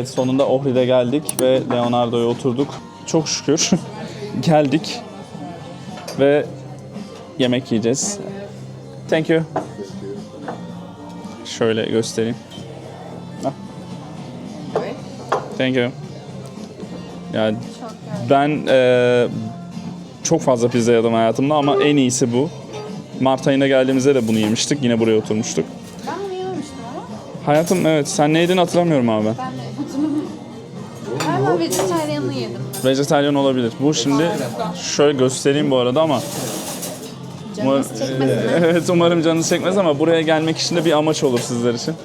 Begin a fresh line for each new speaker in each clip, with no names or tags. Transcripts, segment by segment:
Evet, sonunda Ohrid'e geldik ve Leonardo'ya oturduk. Çok şükür geldik ve yemek yiyeceğiz. Thank you. Şöyle göstereyim. Thank you. Yani ben çok fazla pizza yedim hayatımda ama en iyisi bu. Mart ayına geldiğimizde de bunu yemiştik. Yine buraya oturmuştuk.
Ben bunu yememiştim ama.
Hayatım evet. Sen ne yedin hatırlamıyorum abi.
Ben de galiba vejetaryenli yedim.
Vejetaryen olabilir. Bu şimdi şöyle göstereyim bu arada ama
Canınız çekmesin.
evet, umarım canınız çekmez ama buraya gelmek için de bir amaç olur sizler için.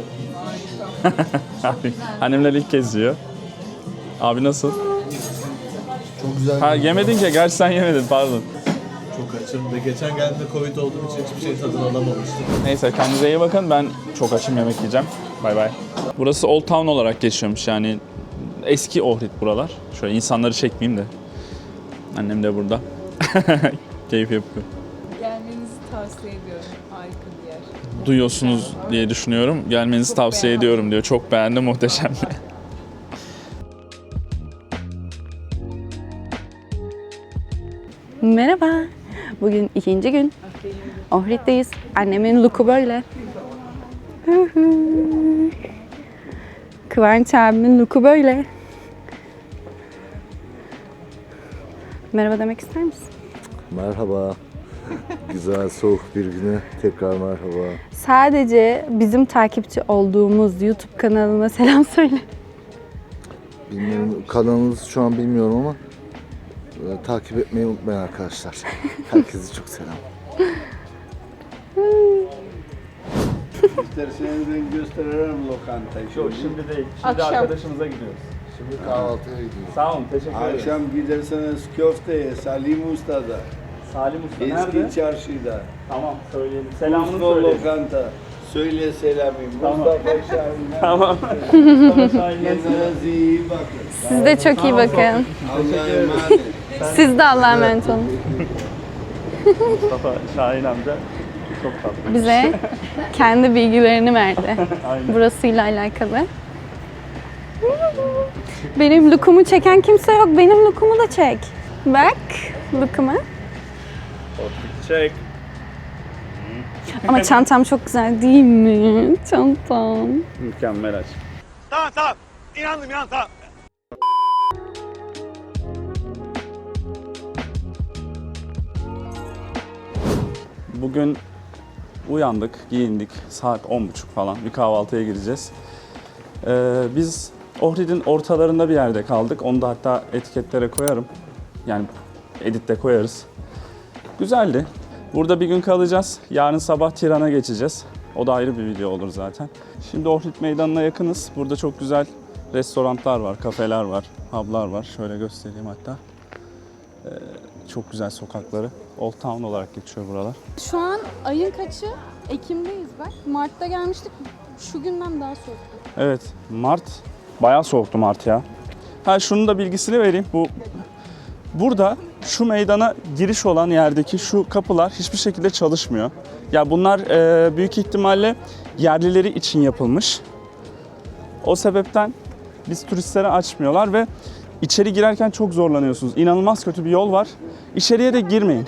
Annemler ilk kez yiyor. Abi nasıl?
Çok güzel.
Ha, yemedin ki. Gerçi sen yemedin, pardon.
Çok açım ve geçen geldiğimde Covid olduğum için hiçbir şey tadını alamamıştım.
Neyse, kendinize iyi bakın. Ben çok açım, yemek yiyeceğim. Bay bay. Burası Old Town olarak geçiyormuş yani. Eski Ohrid buralar. Şöyle insanları çekmeyeyim de. Annem de burada. Keyif yapıyor.
Gelmenizi tavsiye ediyorum. Harika bir yer.
Duyuyorsunuz diye düşünüyorum. Gelmenizi tavsiye ediyorum diyor. Çok beğendim, muhteşem.
Merhaba. Bugün ikinci gün. Ohrid'deyiz. Annemin look'u böyle. Kıvanç abimin look'u böyle. Merhaba demek ister misin?
Merhaba. Güzel soğuk bir güne tekrar merhaba.
Sadece bizim takipçi olduğumuz YouTube kanalına selam söyle.
Bilmiyorum, kanalınızı şu an bilmiyorum ama takip etmeyi unutmayın arkadaşlar. Herkese çok selam.
İsterseniz ben gösteririm lokantayı.
Yok, şimdi değil. Şimdi
Akşam.
arkadaşımıza gidiyoruz.
Şimdi kahvaltıya gidiyoruz.
Sağ olun, teşekkür ederim.
Akşam giderseniz köfteye Salim Usta'da.
Salim Usta nerede?
Eski çarşıda.
Tamam, söyleyelim. Selamını
Mustafa
söyleyin.
lokanta. Söyle selamı.
Tamam.
Mustafa Şahin'e.
Tamam. Mustafa Şahin'den
Kendinize iyi bakın.
Siz de çok iyi bakın.
Allah'a emanet.
Siz de Allah'a emanet olun.
Mustafa Şahin amca çok tatlı.
Bize kendi bilgilerini verdi.
Aynen.
Burasıyla alakalı. Benim lookumu çeken kimse yok. Benim lookumu da çek. Bak lookumu.
Çek.
Ama çantam çok güzel değil mi? Çantam.
Mükemmel aç. Bugün uyandık, giyindik. Saat 10.30 falan. Bir kahvaltıya gireceğiz. Biz Ohrid'in ortalarında bir yerde kaldık. Onu da hatta etiketlere koyarım. Yani editte koyarız. Güzeldi. Burada bir gün kalacağız. Yarın sabah Tiran'a geçeceğiz. O da ayrı bir video olur zaten. Şimdi Ohrid Meydanı'na yakınız. Burada çok güzel restoranlar var, kafeler var, publar var. Şöyle göstereyim hatta. Çok güzel sokakları. Old Town olarak geçiyor buralar.
Şu an ayın kaçı? Ekim'deyiz bak. Mart'ta gelmiştik. Şu günden daha soğuktu.
Evet, Mart. Bayağı soğuktu Mart ya. Ha, şunun da bilgisini vereyim. Burada şu meydana giriş olan yerdeki şu kapılar hiçbir şekilde çalışmıyor. Ya bunlar büyük ihtimalle yerlileri için yapılmış. O sebepten biz turistlere açmıyorlar ve içeri girerken çok zorlanıyorsunuz. İnanılmaz kötü bir yol var. İçeriye de girmeyin.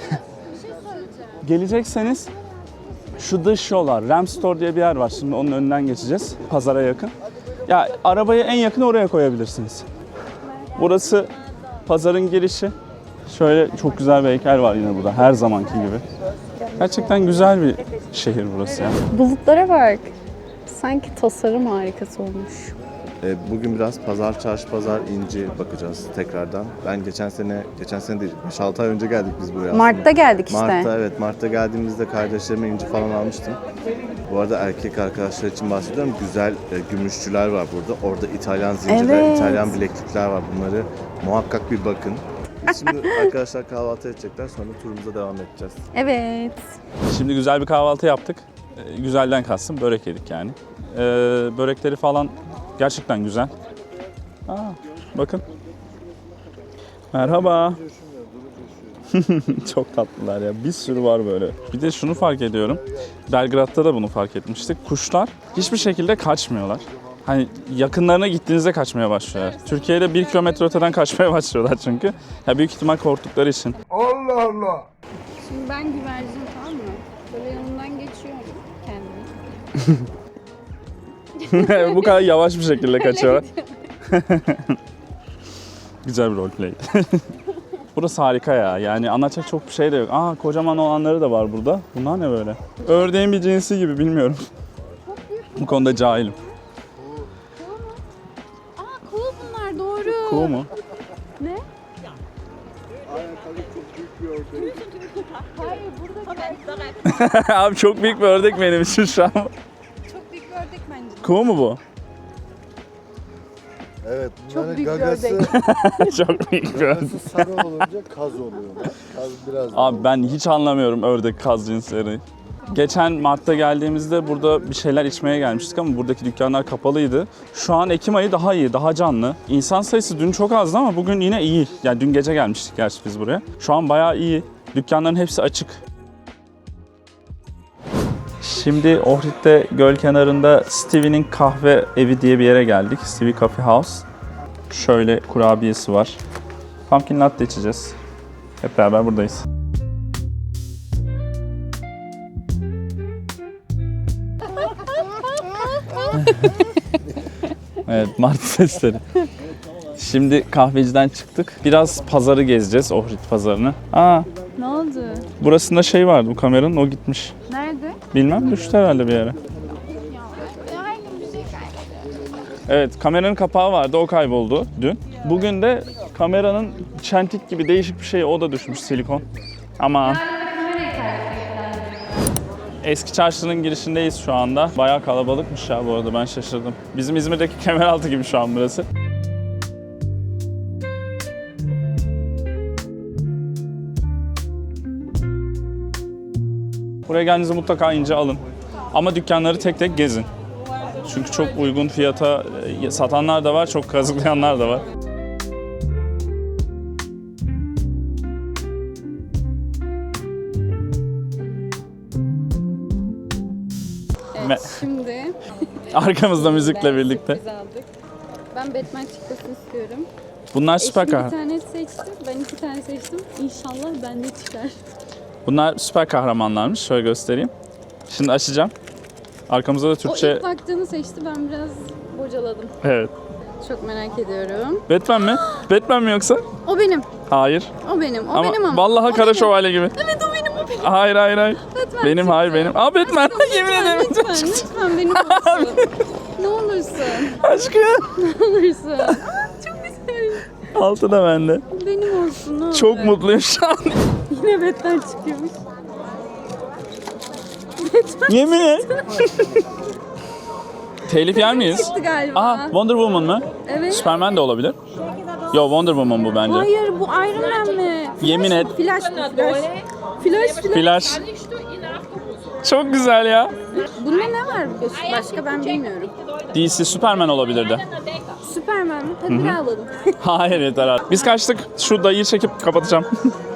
Gelecekseniz şu dış yollar, Ram Store diye bir yer var. Şimdi onun önünden geçeceğiz. Pazara yakın. Ya arabayı en yakın oraya koyabilirsiniz. Burası pazarın girişi. Şöyle çok güzel bir heykel var yine burada, her zamanki gibi. Gerçekten güzel bir şehir burası ya.
Bulutlara bak. Sanki tasarım harikası olmuş.
Bugün biraz pazar, çarşı, pazar, inci bakacağız tekrardan. Ben geçen sene değil, 5-6 ay önce geldik biz buraya aslında.
Mart'ta geldik işte.
Mart'ta geldiğimizde kardeşlerime inci falan almıştım. Bu arada erkek arkadaşlar için bahsediyorum. Güzel gümüşçüler var burada. Orada İtalyan zincirler,
Evet.
İtalyan bileklikler var. Bunları muhakkak bir bakın. Biz şimdi arkadaşlar kahvaltı edecekler, sonra turumuza devam edeceğiz.
Evet.
Şimdi güzel bir kahvaltı yaptık. Güzelden kastım börek yedik yani. Börekleri falan gerçekten güzel. Bakın. Merhaba. Çok tatlılar ya. Bir sürü var böyle. Bir de şunu fark ediyorum. Belgrad'da da bunu fark etmiştik. Kuşlar hiçbir şekilde kaçmıyorlar. Hani yakınlarına gittiğinizde kaçmaya başlıyorlar. Türkiye'de 1 kilometre öteden kaçmaya başlıyorlar çünkü. Ya büyük ihtimal korktukları için.
Şimdi ben güvercin, tamam mı? Böyle yanından geçiyorum kendimi.
Bu kadar yavaş bir şekilde kaçıyorlar. Güzel bir roleplay. Burası harika ya. Yani anlatacak çok bir şey de yok. Aa, kocaman olanları da var burada. Bunlar ne böyle? Ördeğin bir cinsi gibi, bilmiyorum. Bu konuda cahilim.
Aa, kuğu bunlar, doğru.
Kuğu mu?
Ne?
Abi çok büyük bir ördek benim için şu an.
Çok büyük bir ördek bence.
Kuğu mu bu?
Evet,
Çok
bunların
büyük bir
gagası,
Çok büyük bir ördek.
gagası sarı olunca kaz oluyor. Kaz biraz
Abi ben hiç anlamıyorum ördek kaz cinsleri. Geçen Mart'ta geldiğimizde burada bir şeyler içmeye gelmiştik ama buradaki dükkanlar kapalıydı. Şu an Ekim ayı daha iyi, daha canlı. İnsan sayısı dün çok azdı ama bugün yine iyi. Yani dün gece gelmiştik gerçi biz buraya. Şu an bayağı iyi. Dükkanların hepsi açık. Şimdi Ohrid'de göl kenarında Stevie'nin kahve evi diye bir yere geldik. Stevie Coffee House. Şöyle kurabiyesi var. Pumpkin latte içeceğiz. Hep beraber buradayız. Evet, martı sesleri. Şimdi kahveciden çıktık. Biraz pazarı gezeceğiz, Ohrid pazarını. Aa,
Ne oldu?
burasında şey vardı bu kameranın, o gitmiş.
Nerede?
Bilmem, düştü herhalde bir yere. Evet, kameranın kapağı vardı, o kayboldu dün. Bugün de kameranın çentik gibi değişik bir şey, o da düşmüş, silikon. Ama eski çarşının girişindeyiz şu anda. Bayağı kalabalıkmış ya bu arada, ben şaşırdım. Bizim İzmir'deki Kemeraltı gibi şu an burası. Buraya geldiğinizde mutlaka ince alın. Ama dükkanları tek tek gezin. Çünkü çok uygun fiyata satanlar da var, çok kazıklayanlar da var.
Evet, şimdi
Arkamızda müzikle birlikte.
biz aldık. Ben Batman çıkmasını istiyorum.
Bunlar süper
Eşim bir
kahraman.
tane seçti, ben 2 tane seçtim. İnşallah bende çıkar.
Bunlar süper kahramanlarmış. Şöyle göstereyim. Şimdi açacağım. Arkamızda da
O
Türkçe...
ilk baktığını seçti, ben biraz bocaladım.
Evet.
Çok merak ediyorum.
Batman mi? Batman mi yoksa?
O benim,
Hayır.
o benim, o
Ama
benim ama.
vallahi
O
kara
benim.
şövalye gibi.
Evet, o benim, o benim.
Hayır hayır hayır.
Batman
Benim
çıktı.
hayır benim. Aa Batman. Yemin ederim.
Lütfen benim olsun. Ne olursun,
Aşkım.
ne olursun. Aa, çok güzel.
Altı da bende.
Benim olsun, ne olur.
Çok mutluyum şu an.
Yine Batman çıkıyormuş.
Yemin et. Telif yer miyiz?
Çıktı galiba.
Aa, Wonder Woman mı?
Evet.
Superman de olabilir. Yo, Wonder Woman bu bence.
Hayır, bu Iron Man mi?
Yemin et.
Flash mı? Flash.
Flash. Çok güzel ya.
Bunda ne var başka, ben bilmiyorum.
DC Superman olabilirdi.
Superman mi? Hadi bir alalım.
Hayır yeter artık. Biz kaçtık. Şu dayıyı çekip kapatacağım.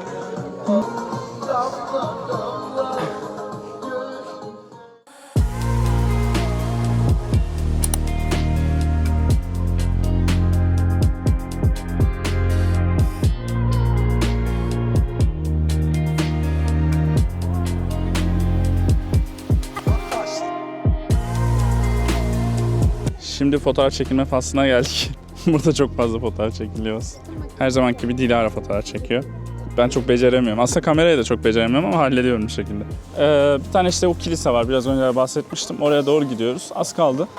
Şimdi fotoğraf çekilme faslına geldik. Burada çok fazla fotoğraf çekiliyor. Her zamanki gibi Dilara fotoğraf çekiyor. Ben çok beceremiyorum. Aslında kamerayı da çok beceremiyorum ama hallediyorum bir şekilde. Bir tane işte o kilise var. Biraz önce bahsetmiştim. Oraya doğru gidiyoruz. Az kaldı.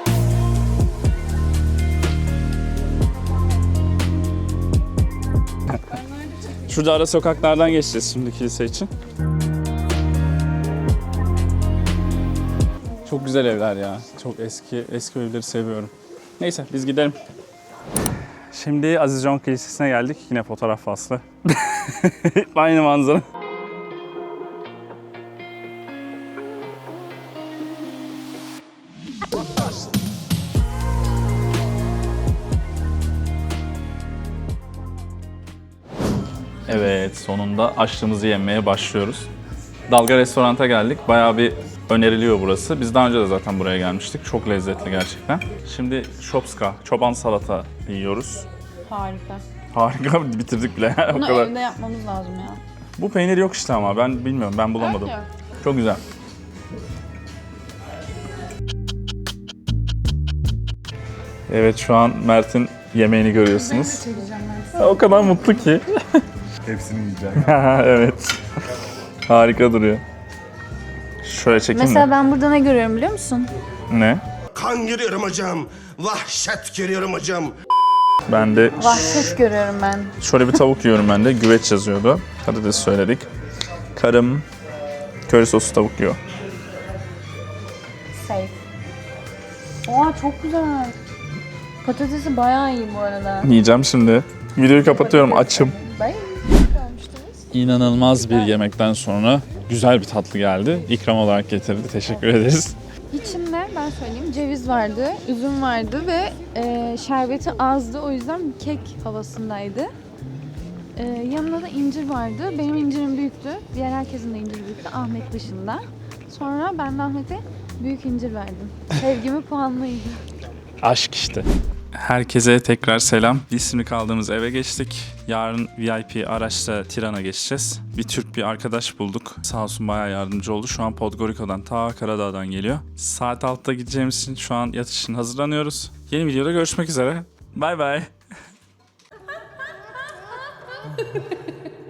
Şurada ara sokaklardan geçeceğiz şimdi kilise için. Çok güzel evler ya. Çok eski evleri seviyorum. Neyse biz gidelim. Şimdi Aziz John Kilisesi'ne geldik. Yine fotoğraf faslı. Aynı manzara. Evet, sonunda açlığımızı yemeye başlıyoruz. Dalga restoranta geldik. Bayağı bir öneriliyor burası. Biz daha önce de zaten buraya gelmiştik. Çok lezzetli gerçekten. Şimdi şopska, çoban salata yiyoruz.
Harika.
Harika, bitirdik bile. O
Bunu
kadar.
evde yapmamız lazım ya.
Bu peynir yok işte ama ben bilmiyorum, ben bulamadım.
Evet.
Çok güzel. Evet, şu an Mert'in yemeğini görüyorsunuz. O kadar mutlu ki.
Hepsini yiyeceğim.
Evet. Harika duruyor. Şöyle çekeyim
Mesela
mi?
ben burada ne görüyorum biliyor musun?
Ne?
Kan görüyorum hocam. Vahşet görüyorum hocam.
Ben de
Vahşet görüyorum ben.
şöyle bir tavuk yiyorum ben de. Güveç yazıyordu. Patates söyledik. Karım köri soslu tavuk yiyor.
Safe. Oha çok güzel. Patatesi bayağı iyi bu arada.
Yiyeceğim şimdi. Videoyu kapatıyorum. Açım.
Bye.
İnanılmaz bir yemekten sonra güzel bir tatlı geldi. İkram olarak getirdi. Teşekkür ederiz.
İçinde ben söyleyeyim ceviz vardı, üzüm vardı ve şerbeti azdı. O yüzden kek havasındaydı. Yanında da incir vardı. Benim incirim büyüktü. Diğer herkesin de inciri büyüktü. Ahmet dışında. Sonra ben de Ahmet'e büyük incir verdim. Sevgimi puanlıydı.
Aşk işte. Herkese tekrar selam. Biz şimdi kaldığımız eve geçtik. Yarın VIP araçla Tiran'a geçeceğiz. Bir Türk bir arkadaş bulduk. Sağ olsun bayağı yardımcı oldu. Şu an Podgorica'dan ta Karadağ'dan geliyor. Saat 6'da gideceğimiz için şu an yatış için hazırlanıyoruz. Yeni videoda görüşmek üzere. Bay bay.